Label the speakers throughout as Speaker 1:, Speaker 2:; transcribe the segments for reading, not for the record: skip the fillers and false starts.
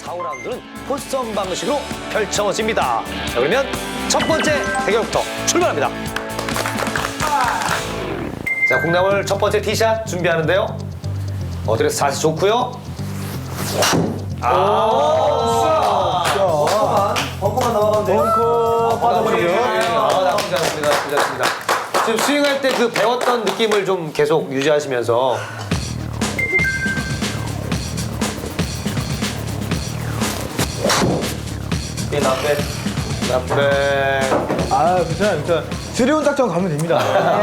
Speaker 1: 4라운드는 포스점 방식으로 펼쳐집니다. 자, 그러면 첫 번째 대결부터 출발합니다. 자, 콩나물 첫 번째 티샷 준비하는데요. 어드레스 자세 좋고요.
Speaker 2: 벙커만 넘어가면 돼요.
Speaker 1: 벙커
Speaker 2: 빠져버리고요.
Speaker 1: 나쁘지 않습니다. 나쁘지 않습니다. 지금 스윙할 때 그 배웠던 느낌을 좀 계속 유지하시면서
Speaker 2: 나빼.
Speaker 1: 나쁘네.
Speaker 3: 아, 괜찮아. 드리온 작전 가면 됩니다.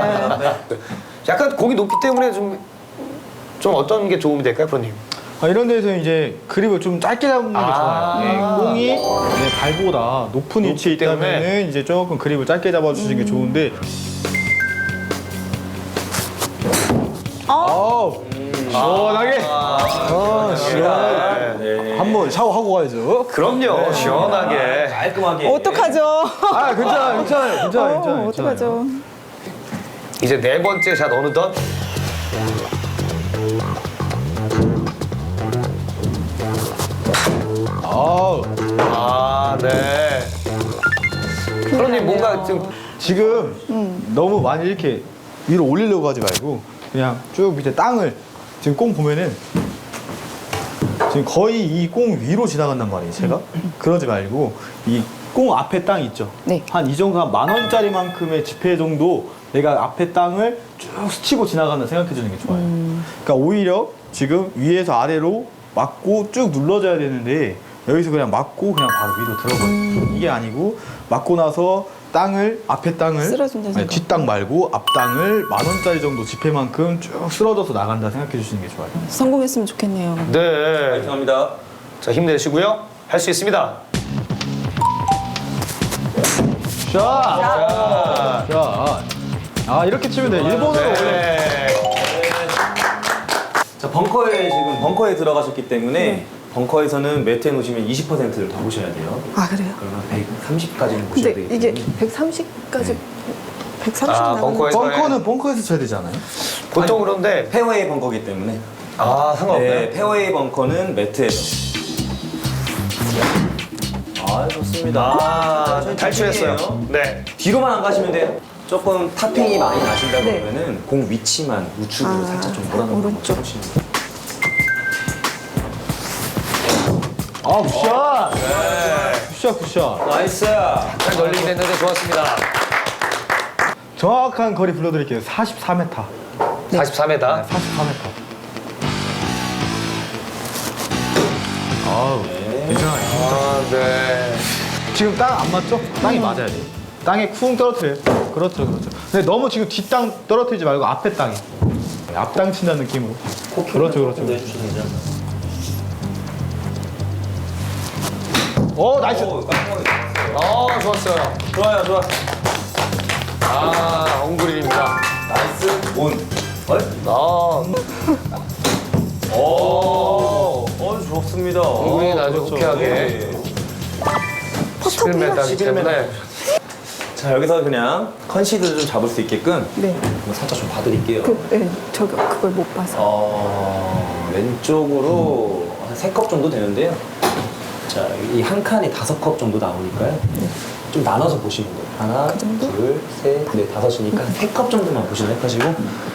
Speaker 1: 약간 공이 높기 때문에 좀 어떤 게 도움이 될까요, 프로님?
Speaker 3: 이런 데서 이제 그립을 좀 짧게 잡는 게 좋아요. 네, 공이 발보다 높은 위치에
Speaker 1: 높기 때문에.
Speaker 3: 있다면 이제 조금 그립을 짧게 잡아주시는 게 좋은데. 시원하게. 시원하게. 한번 샤워하고 가야죠.
Speaker 1: 그럼요, 시원하게.
Speaker 2: 깔끔하게.
Speaker 4: 어떡하죠?
Speaker 3: 괜찮아요.
Speaker 4: 어떡하죠?
Speaker 1: 이제 네 번째 샷 어느덧 네. 프로님 뭔가 좀
Speaker 3: 지금 너무 많이 이렇게 위로 올리려고 하지 말고 그냥 쭉 밑에 땅을 지금 공 보면은 지금 거의 이 공 위로 지나간단 말이에요, 제가. 그러지 말고 이 공 앞에 땅 있죠?
Speaker 4: 네.
Speaker 3: 한 이 정도 한 10,000원짜리만큼의 지폐 정도 내가 앞에 땅을 쭉 스치고 지나간다 생각해 주는 게 좋아요. 그러니까 오히려 지금 위에서 아래로 맞고 쭉 눌러줘야 되는데 여기서 그냥 맞고 그냥 바로 위로 들어버려요. 이게 아니고 맞고 나서 땅을 앞에 땅을
Speaker 4: 쓸어준다 생각.
Speaker 3: 뒷땅 말고 앞 땅을 10,000원짜리 정도 지폐만큼 쭉 쓸어져서 나간다 생각해 주시는 게 좋아요.
Speaker 4: 성공했으면 좋겠네요.
Speaker 1: 네.
Speaker 2: 감사합니다.
Speaker 1: 자, 힘내시고요. 할 수 있습니다.
Speaker 3: 자, 이렇게 치면 돼. 일본어로 원래
Speaker 1: 네.
Speaker 2: 자, 벙커에 들어가셨기 때문에 벙커에서는 매트에 놓으시면 20%를 더 보셔야 돼요.
Speaker 4: 아, 그래요?
Speaker 2: 그러면 130까지는 보셔야
Speaker 4: 근데
Speaker 2: 되기
Speaker 4: 이게
Speaker 2: 때문에.
Speaker 4: 130까지 130
Speaker 1: 아,
Speaker 4: 나가는
Speaker 3: 벙커에서 쳐야 되잖아요.
Speaker 1: 보통 그런데
Speaker 2: 페어웨이 벙커기 때문에.
Speaker 1: 상관없나요?
Speaker 2: 네, 페어웨이 벙커는 매트에서. 좋습니다.
Speaker 1: 탈출했어요. 네.
Speaker 2: 뒤로만 안 가시면 돼요. 조금 탑핑이 많이 나신다
Speaker 4: 네.
Speaker 2: 그러면은 공 위치만 우측으로 살짝 좀 몰아놓는 거
Speaker 4: 오른쪽.
Speaker 2: 보시면 돼요.
Speaker 3: 굿샷.
Speaker 2: 나이스.
Speaker 1: 잘 걸리긴 했는데 좋았습니다.
Speaker 3: 정확한 거리 불러드릴게요. 44m.
Speaker 1: 44m.
Speaker 3: 44m. 괜찮아요.
Speaker 1: 네.
Speaker 3: 지금 땅 안 맞죠? 땅이 맞아야 돼. 땅에 쿵 떨어뜨려요. 그렇죠. 근데 너무 지금 뒷땅 떨어뜨리지 말고 앞에 땅에. 앞땅 친다는 느낌으로. 그렇죠. 오, 나이스.
Speaker 1: 좋았어요.
Speaker 2: 좋아요.
Speaker 1: 엉구리입니다.
Speaker 2: 나이스. 온. 좋습니다.
Speaker 1: 엉구리는 아주
Speaker 2: 그렇죠.
Speaker 1: 호쾌하게
Speaker 2: 네.
Speaker 1: 11m이기 때문에
Speaker 2: 자, 여기서 그냥 컨시드를 좀 잡을 수 있게끔
Speaker 4: 네.
Speaker 2: 한번 살짝 좀 봐드릴게요.
Speaker 4: 네, 그걸 못 봐서.
Speaker 2: 왼쪽으로 한 3컵 정도 되는데요. 자, 이 한 칸이 5컵 정도 나오니까요. 좀 나눠서 보시면 돼요. 하나,
Speaker 4: 그 정도?
Speaker 2: 둘, 셋, 넷, 다섯이니까 3컵 정도만 보시면 해가지고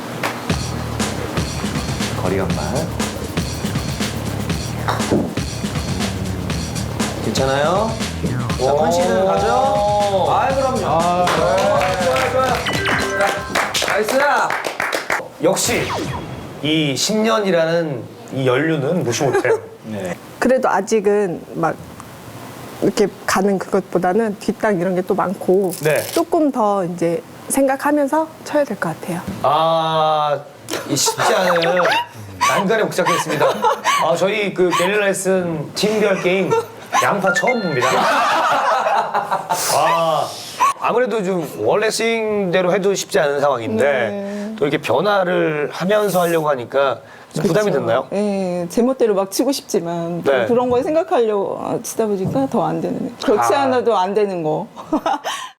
Speaker 2: 거리감만. 괜찮아요? 자, 컨시드 가죠? 그럼요. 좋아요. 나이스!
Speaker 1: 역시 이 10년이라는 이 연륜은 무시 못해요.
Speaker 2: 네.
Speaker 4: 그래도 아직은 막 이렇게 가는 그것보다는 뒷땅 이런 게 또 많고
Speaker 1: 네.
Speaker 4: 조금 더 이제 생각하면서 쳐야 될 것 같아요.
Speaker 1: 이 쉽지 않은 난관에 복잡했습니다. 저희 그 게릴라 레슨 팀별 게임 양파 처음 봅니다. 아무래도 좀 원래 스윙대로 해도 쉽지 않은 상황인데
Speaker 4: 네.
Speaker 1: 또 이렇게 변화를 하면서 하려고 하니까 좀 부담이 됐나요?
Speaker 4: 네, 제멋대로 막 치고 싶지만 또
Speaker 1: 네.
Speaker 4: 그런 거 생각하려고 치다 보니까 더 안 되는. 그렇지
Speaker 1: 아.
Speaker 4: 않아도 안 되는 거.